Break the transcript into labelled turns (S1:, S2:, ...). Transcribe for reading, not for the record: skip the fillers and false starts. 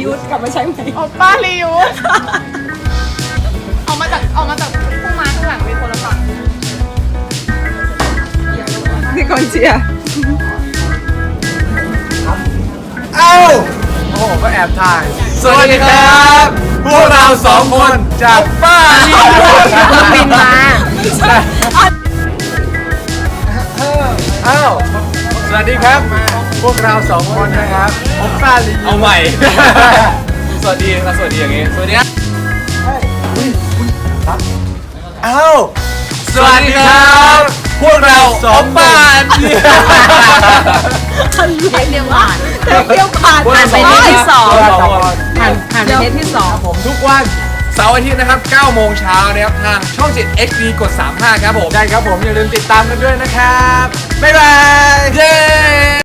S1: ยูสกลับมาใช้ไหม
S2: โอป้ารียูสออกมาจากผู้มาข้างหลังเป็นคนละฝั่ง
S1: นี่คนเชียร์
S3: เอ้าโอ้โหก็แอบถ่ายสวัสดีครับพวกเราสองคนจากป้าลียูส
S1: บินมา
S3: เอ้าสวัสดีครับพวกเราสองคนนะครับผมป้าลียูส
S4: เอาใหม่ สวัสดีครับสวัสดีอย่างงี้ สวัสดีครับ
S3: เอ้าสวัสดีครับพวกเราสองบ้าน
S1: เรียกหวานเที่ยวผ่านผ่านไปเทปที่สองผ่านไปเทปที่สอง
S3: ผมทุกวัน
S4: เสาร์อาทิตย์นะครับ9 โมงเช้านะครับทางช่อง 7 XD กด 35 ครับผม
S3: ได้ครับผมอย่าลืมติดตามกันด้วยนะครับบ๊ายบาย
S4: เย้